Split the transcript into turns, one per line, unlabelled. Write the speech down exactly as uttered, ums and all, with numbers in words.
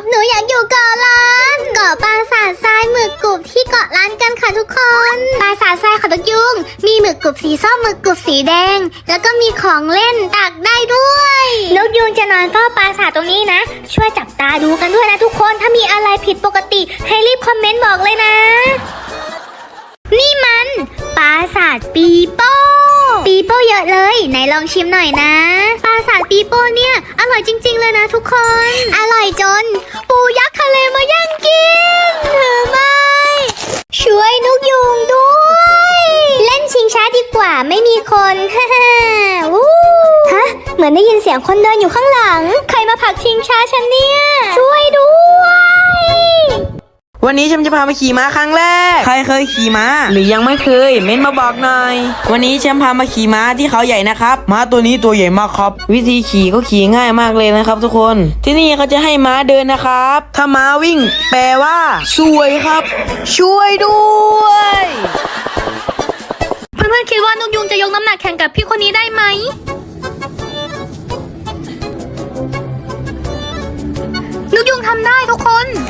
หนูอยากอยู่เกาะล้านเกาะปราสาททรายหมึกกรุบที่เกาะล้านกันค่ะทุกคนปราสาททรายค่ะนกยุงมีหมึกกรุบสีส้มหมึกกรุบสีแดงแล้วก็มีของเล่นตักได้ด้วยนกยุงจะนอนเฝ้าปราสาทตรงนี้นะช่วยจับตาดูกันด้วยนะทุกคนถ้ามีอะไรผิดปกติให้รีบคอมเมนต์บอกเลยนะนี่มันปราสาทปีโป้ปีโป้เยอะเลยไหนลองชิมหน่อยนะปราสาทปีโป้เนี่ยอร่อยจริงๆเลยนะทุกคนอร่อยจนปูยักษ์ทะเลมาย่างกินถือไม่ช่วยนกยุงด้วยเล่นชิงช้าดีกว่าไม่มีคนฮ่าฮ่าวู้ฮะเหมือนได้ยินเสียงคนเดินอยู่ข้างหลังใครมาผลักชิงช้าฉันเนี่ยช่วยด้วย
วันนี้ฉันจะพามาขี่ม้าครั้งแรกใครเคยขี่ม้าหรือยังไม่เคยเม้นมาบอกหน่อยวันนี้ฉันพามาขี่ม้าที่เขาใหญ่นะครับม้าตัวนี้ตัวใหญ่มากครับวิธีขี่ก็ขี่ง่ายมากเลยนะครับทุกคนที่นี่เขาจะให้ม้าเดินนะครับถ้าม้าวิ่งแปลว่าสวยครับช่วยด้วย
เพื่อนๆคิดว่านกยุงจะยกน้ำหนักแข่งกับพี่คนนี้ได้ไหมนกยุงทำได้ทุกคน